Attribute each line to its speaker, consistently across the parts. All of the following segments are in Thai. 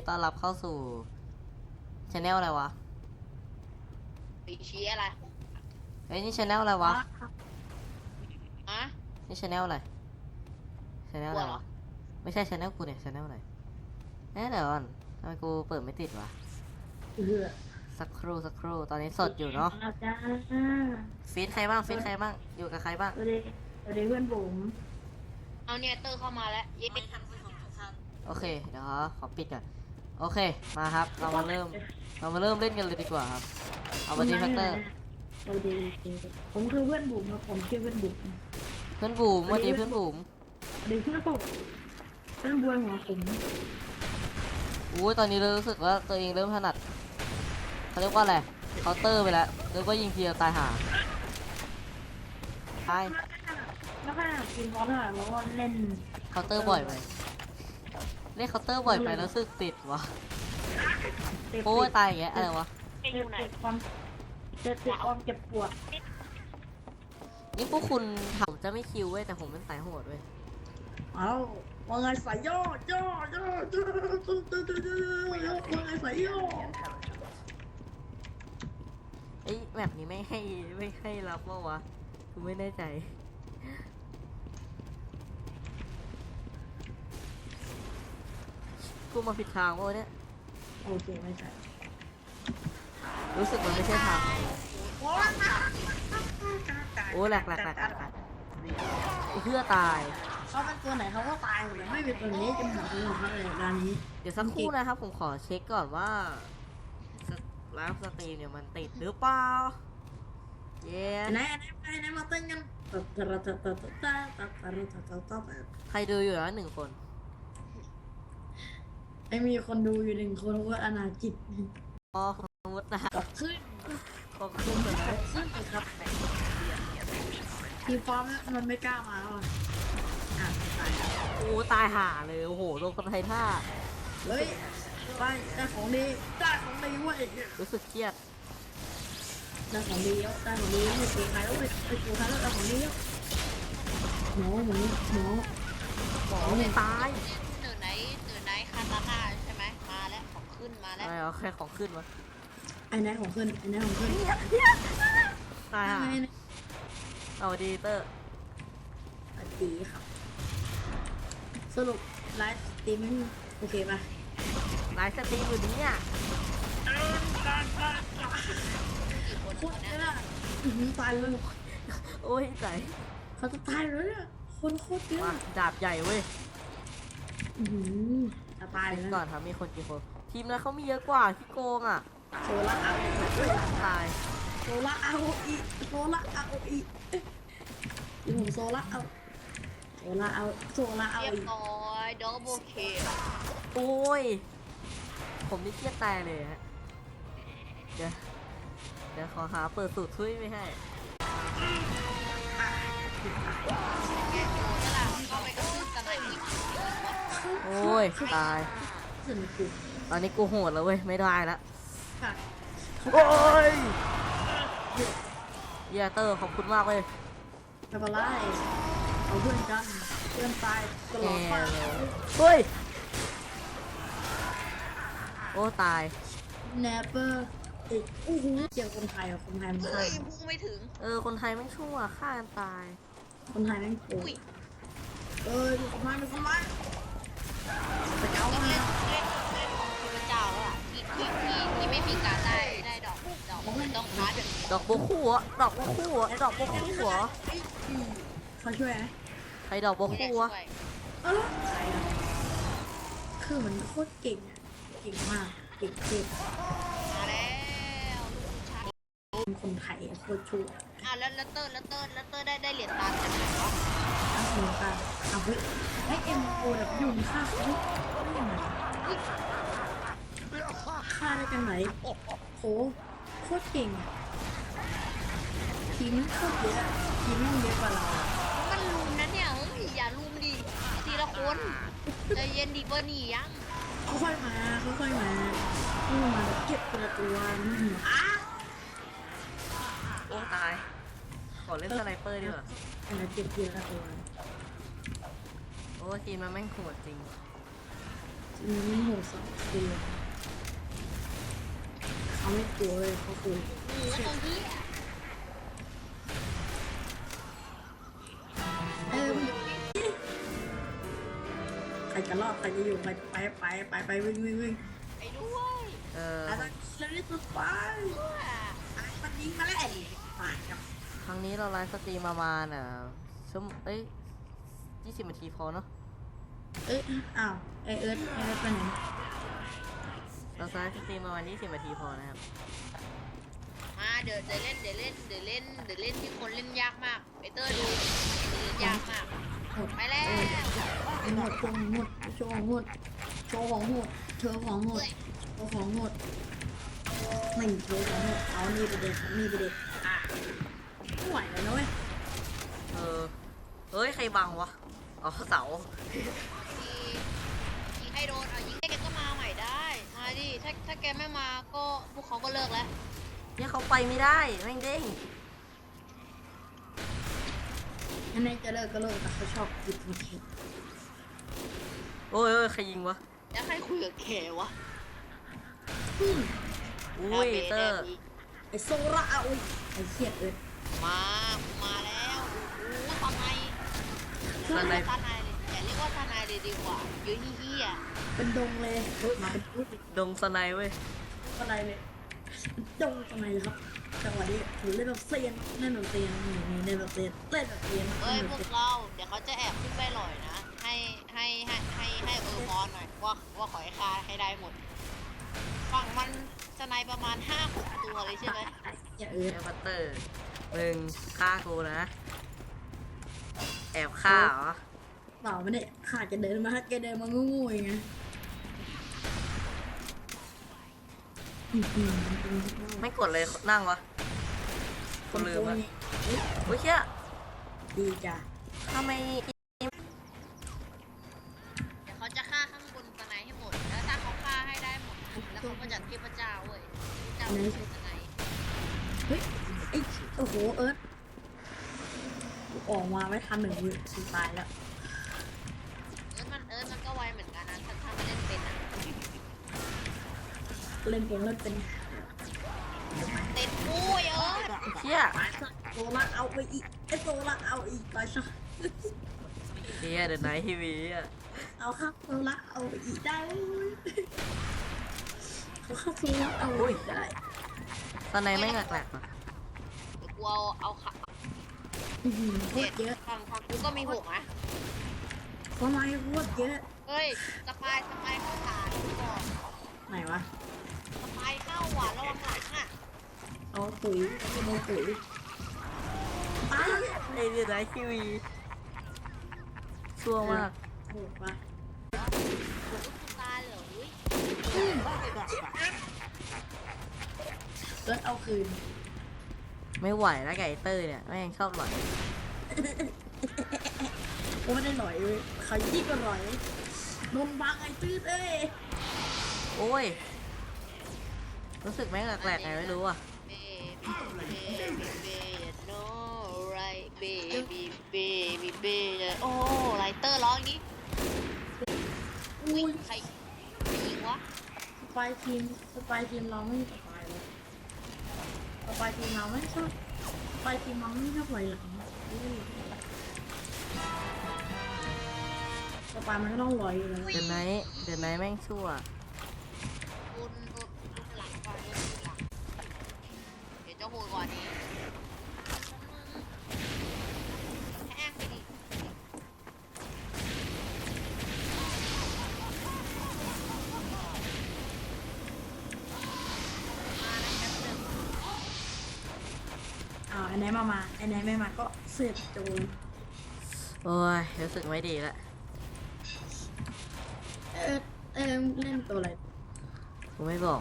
Speaker 1: ต้อนรับเข้าสู่ช anel อะไรวะ
Speaker 2: ปีชี้อะไร
Speaker 1: เฮ้ยนี่ช anel อะไรวะ
Speaker 2: อะ
Speaker 1: นี่ช anel อะไรช anel อะไรวะไม่ใช่ช anel กูเนี่ยช anel อะไรเดี๋ยวก่อนทำไมกูเปิดไม่ติดวะสักครู่ตอนนี้สดอยู่เนาะฟีดใครบ้างอยู่กับใครบ้าง
Speaker 3: สวัสดีเพื่อนผม
Speaker 2: เอาเนี่ยเตอร์เข้ามาแล้วยิง
Speaker 1: โอเคเดี๋ยวขอปิดก่อนโอเคมาครับเรามาเริ่มเล่นกันเลยดีกว่าครับเอาบัตตี้แฟกเตอร์
Speaker 3: สวัสดีผมคือเพื่อนบุ๋มครับผมชื่อเพื่อนบุ๋ม
Speaker 1: เพื่อนบูมวันนี้เพื่อนบูม
Speaker 3: สวัสดีเพื่อนผมเพื่อนบัวหัวผม
Speaker 1: อู้ตอนนี้รู้สึกว่าตัวเองเริ่มถนัดเขาเรียกว่าอะไรเคาน์เตอร์ไปแล้วแล้วก็ยิงทีเดียวตายห่าตาย
Speaker 3: แล้วก็กินพอเถอะแล้วก็เล่น
Speaker 1: เคาน์เตอร์บ่อยไปเล่นเคาน์เตอร์บ่อยไปแล้วรู้สึกติดวะโอ้ยตายอย่างเงี้ยอะไรวะ
Speaker 3: เจ็บความเจ็บความเจ็บปวด
Speaker 1: นี่พวกคุณผมจะไม่คิวเว้ยแต่ผมเป็นสายโหดเว้ย
Speaker 3: เอาว่าไงสายย่อย่ว่าไงสายย่อ
Speaker 1: ไอ้แบบนี้ไม่ให้รับว่าวะกูไม่แน่ใจกูมาผิดทางวะเนี่ย
Speaker 3: โอเคไม่ใช่
Speaker 1: รู้สึกมันไม่ใช่ทางโอ้แหลกเพื่อตาย
Speaker 3: เขาเป็นตัวไหนเขาก็ตายหมดเลยไม่เป็นตัวนี้จะหมดเลยเขาเลยด้านนี้
Speaker 1: เดี๋ยวสักครู่นะครับผมขอเช็คก่อนว่าไลฟ์สตรีมเนี่ยมันติดหรือเปล่าเย้
Speaker 3: ไหนมาเต้นกัน
Speaker 1: ใครดูอยู่แล้ว1 คน
Speaker 3: ไม่มีคนดูอยู่1 คนว่าอนาจิต
Speaker 1: อ๋อสมมตินะ
Speaker 3: ขึ้น
Speaker 1: ขอบคุณนะ
Speaker 3: ขึ้นครับทีฟอร์มมันไม่กล้ามาแล้วตาย
Speaker 1: โอ้ตายห่าเลยโอ้โหโดนคนไทยท่า
Speaker 3: เฮ้ยได้ของดีเว้ย
Speaker 1: รู้สึกเครียด
Speaker 3: ได้ของดีแล้วไม่เก่งใครแล้วไปกูใครแล้วได้ของดีแล้วหมอ
Speaker 1: ไม่ตาย
Speaker 2: เหนือไหนคาตาน่าใช่ไหมมาแล้วของขึ้นมาแล้ว
Speaker 1: อะไรแค่ของขึ้นวะ
Speaker 3: ไอ้ไหนของขึ้น
Speaker 1: ตายห่าเอาดีเตอร์
Speaker 3: ดีครับสรุปไลฟ์สตรีมมิ่งโอเคป่ะ
Speaker 1: ไลฟ์สตรีมอยู่นี้เนี่ย
Speaker 3: โคตรเยอะตายเลย
Speaker 1: โอ้ยใจ
Speaker 3: เขาจะตายเลยเนี่ยคนโคตรเยอะ
Speaker 1: ดาบใหญ่เว้ย
Speaker 3: จะตายเลย
Speaker 1: ก่อนครับมีคนกี่คนทีมแล้วเขามีเยอะกว่าที่โกงอ่ะ
Speaker 3: โซล่าเอา
Speaker 1: ตาย
Speaker 3: โซล่าเอาอีผมโซล่าเอา
Speaker 2: เรียบร้อยดับเบิลเค
Speaker 1: โอ้ยผมนี่เครียดตายเลยฮะเดี๋ยวขอหาเปิดสูตรช่วยไม่ให้โอ้ยตายตอนนี้กูโหดแล้วเว้ยไม่ได้ละโอ้ยเยเตอร์ขอบคุณมากเลย
Speaker 3: ไม่เป็นไรเอาเพื่อนกันเพื่อนตายตลอดไป
Speaker 1: เฮ้ยโอ้ตาย
Speaker 3: แนปเปอร์โอ้โหเจอคนไทยมันฆ่า
Speaker 2: พุ่งไม่ถึง
Speaker 1: คนไทยไม่ชั่วฆ่ากันตาย
Speaker 3: คนไทยไม่โกงดูคนไทยพระเจ้า
Speaker 2: เล่นพระเจ้าแล้วอ่ะที่ไม่มีการได้ดอกต้องพาร์ท
Speaker 1: ดอกบัวคู่อ่ะดอกบัวคู่เหรอ
Speaker 3: เขาช่วยไหม
Speaker 1: ใครดอกบัวคู่อ่ะ
Speaker 3: คือมันโคตรเก่งมากเก่ง
Speaker 2: มาแล้ว
Speaker 3: เป็นคนไทยโคตรชั่ว
Speaker 2: แล้วเตอร์ได้เหรียญตาจากไหนวะ
Speaker 3: เหรียญตาเฮ้ยให้เอ็มโอแบบยุ่งฆ่าได้กันไหนโหโคตรเก่งทีมโคตรเยอะทีมเยอะกว่าเรา
Speaker 2: มันลุมนะเนี่ยอย่าลุมดิทีละคนใจเย็นดีกว่านี่ยัง
Speaker 3: ค่อยมาแบบเก็บตัว
Speaker 1: โอ้ตายขอเล่นสไนเปอร์ดีกว่า
Speaker 3: เก็บตัว
Speaker 1: โอ้ทีมมันแม่งโหดจริง
Speaker 3: ไม่โหดสักทีเขาไม่กลัวเลยเขากลัว
Speaker 2: โอ้โหตรงที่
Speaker 3: ใครจะรอดใครจะอยู่ใครไปวิ่ง
Speaker 2: ไปด้วย
Speaker 3: อะไรเราเรียกตัวไปมันยิงมาแล้วผ่านกับ
Speaker 1: ครั้งนี้เราไลฟ์สตรีมประมาณชั่วโมง20 นาทีพอเนาะ
Speaker 3: อ้าวเอิร์ธไปไหน
Speaker 1: เราไลฟ์สตรีมประมาณ20 นาทีพอนะครับ
Speaker 2: มาเดี๋ยวเล่นที่คนเล่นยากมากไอเตอร์ดูเล่นยากมากไปแล้ว
Speaker 3: หมดโชว์ของหมดเธอของหมดไม่โชว์ของหมดเอานี่ไปเด็กไม่ไหวแล้วนะเว้ย
Speaker 1: เฮ้ยใครบังวะอ๋อเสา
Speaker 2: ยิงให้โดนเอายิงให้แกก็มาใหม่ได้มาดิถ้าแกไม่มาก็พวกเขาก็เลิกแล้ว
Speaker 1: เนี่ยเขาไปไม่ได้แม่งเด้ง
Speaker 3: อันนี้จะเลิกก็เลิกแต่เขาชอบหยิบมาคิด
Speaker 1: โอ้ยใครยิงวะ
Speaker 2: แล้วใครคุยกับแกวะ
Speaker 1: อุ้ยเตอร์
Speaker 3: ไอโซล่าอุ้ยไอเขียดเอิร์ธ
Speaker 2: มาแล้วโอ้โหตอนไหนตอนไหนเลยอย่าเรียกว่าตอนไหนเลยดีกว่าเยอะเฮี้ย
Speaker 3: เป็นดงเลยมาเป็นพูด
Speaker 1: ดงสไนเว้ย
Speaker 3: อะไรเลยดงทำไมครับจังหวะนี้ถือเล่นแบบเซียนนี่เล่นแบบเซียน
Speaker 2: เอ้ยพวกเราเดี๋ยวเขาจะแอบขึ้นไปหล่อยนะให้บอลหน่อยว่าขอให้ฆ่าให้ได้หมดฝั่งมันจะในประมาณ 5-6 ตัวเลยใช่ไหม
Speaker 3: อย่า
Speaker 1: เอบัตเตอร์มึงฆ่ากูนะ แอบฆ่าเหรอ
Speaker 3: เปล่าไม่ได้ขาดจะเดินมาแกเดินมางูๆอย่างเงี้ย
Speaker 1: ไม่กดเลยนั่งวะกูลืมวะโอ้ยเชี่ย
Speaker 3: ดีจ้ะ
Speaker 1: ทำไม
Speaker 2: เดี๋ยวเขาจะฆ่าข้างบนสไนให้หมดแล้วถ้าเขาฆ่าให้ได้หมดแล้วเขาก็จัดเทพเจ้าเว้ยเจ้าเป็นสไน
Speaker 3: เฮ้ยไอ้โอ้โหเอิร์ธออกมาไม่ทัน1 วิตายแล้ว
Speaker 2: มันก็ไวเหมือนกันนะถ้ามันเล่นเป็นอะ
Speaker 3: เล่นเป็น
Speaker 2: เต้นปุ้ย
Speaker 1: เชี่ย
Speaker 3: โซล่าเอาไปอีกไอ้โซล่าเอาอีกไปซะ
Speaker 1: เชี่ยเดอะไนท์ทีวีอ่ะ
Speaker 3: เอาครับโซล่าเอาไปอีกได้เขาครับโซล่าเอาอีกได้
Speaker 1: สไนไม่งแหลกๆอ่ะ
Speaker 2: เดี๋ยวกูเอาขา
Speaker 3: โคตรเยอะ
Speaker 2: ฝั่งกูก็มี6นะ
Speaker 3: ทำไมโคตรเยอะ
Speaker 2: เฮ้ยสปายเข้าฐานก่อน
Speaker 3: ไหนวะ
Speaker 2: สปายเข้าหวานระวังหลังอ่ะ
Speaker 3: เอาตุ๋ยเอาตุ๋ยป้า
Speaker 1: ไอเดอะไนท์ทีวีชั่วมาก
Speaker 3: โหดปะ
Speaker 2: กูตายเลยอุ้ย
Speaker 3: เกิดเอาคืน
Speaker 1: ไม่ไหวแล้วไก่เตอร์เนี่ยแม่งชอบหลอย
Speaker 3: กูไม่ได้หน่อยเลยเขายิ่งกว่าหน่อยโดนบังไอ้ตื้อเอ้ย
Speaker 1: โอ้ยรู้สึกแม่งแหลกๆไงไม่รู้อ่ะ
Speaker 2: เบบี้โนไรเบบี้เลยโอ้ไลเตอร์ร้องนี้
Speaker 3: อุ้ย
Speaker 2: ใครยิงวะ
Speaker 3: สปายทีมเราไม่สปายเลยสปายทีมเราไม่ชอบสปายทีมเราไม่ชอบไหวหลังสปายมันก็ต้องลอยอยู่แล้ว
Speaker 1: เดอะไนท์แม่งชั่ว
Speaker 2: รุนหลังก่อนรุนหลังเดี๋ยวจะโหดกว่านี้แห้งไปดิ
Speaker 3: ไอ้ไหนมาไอ้ไหนไม่มาก็เสียบโจร
Speaker 1: โอ้ยรู้สึกไม่ดีแล้ว
Speaker 3: เล่นตัวอะไร
Speaker 1: กูไม่บอก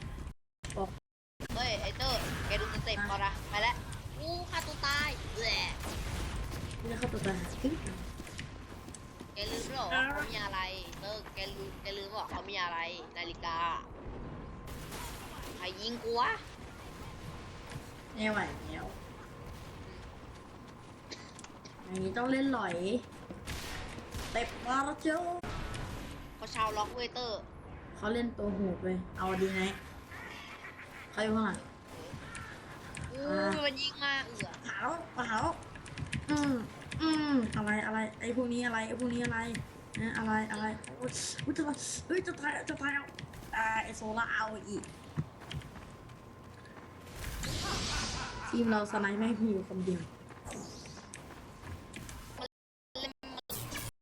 Speaker 2: เฮ้ยไอเตอร์แกดูสเต็ปก่อนนะไปแล้วอู้ฆ่าตัวตายแหละ
Speaker 3: ไม่ได้เข้าตัวตาย
Speaker 2: แกลืมหรอว่าเขามีอะไรเตอร์แกลืมหรอเขามีอะไรนาฬิกาใครยิงกูวะ
Speaker 3: ไม่ไหวแล้วอย่างนี้ต้องเล่นหลอยเต็มมาแล้วเจ้า
Speaker 2: เขาว่าชาวล็อกเวเตอร์
Speaker 3: เขาเล่นตัวโหดเลยเอาดีไหมเขาอยู่ข้างหลัง
Speaker 2: มันยิงมา
Speaker 3: เผาอะไรไอ้พวกนี้อะไรนะอะไรโอ้ยจะตายจะตายไอโซล่าเอาอีกทีมเราสไนไม่มีอยู่คนเดียว